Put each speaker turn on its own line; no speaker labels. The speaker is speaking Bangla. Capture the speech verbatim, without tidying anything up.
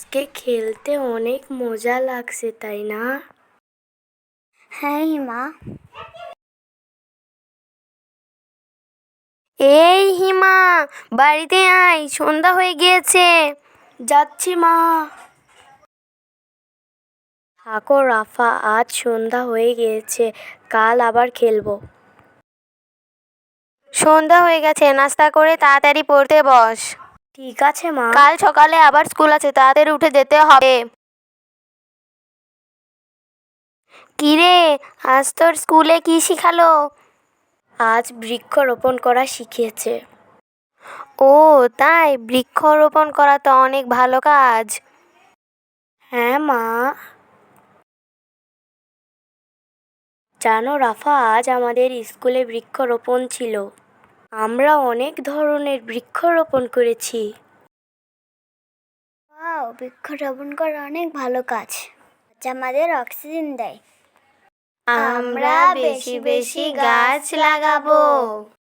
আজকে খেলতে অনেক মজা লাগছে, তাই না?
হ্যাঁ হিমা।
এই হিমা, বাড়িতে আয়, সন্ধ্যা হয়ে গিয়েছে। যাচ্ছি মা। থাকো রাফা, আজ সন্ধ্যা হয়ে গিয়েছে, কাল আবার খেলবো।
সন্ধ্যা হয়ে গেছে, নাস্তা করে তাড়াতাড়ি পড়তে বস।
ঠিক আছে মা।
কাল সকালে আবার স্কুল আছে, তাড়াতাড়ি উঠে যেতে হবে। কিরে, আজ তোর স্কুলে কি শিখালো?
আজ বৃক্ষরোপণ করা শিখিয়েছে।
ও তাই, বৃক্ষরোপণ করা তো অনেক ভালো কাজ।
হ্যাঁ মা। জানো রাফা, আজ আমাদের স্কুলে বৃক্ষরোপণ ছিল। আমরা অনেক ধরনের বৃক্ষরোপণ করেছি।
ওয়াও, বৃক্ষরোপণ করা অনেক ভালো কাজ, যা আমাদের অক্সিজেন দেয়।
আমরা বেশি বেশি গাছ লাগাবো।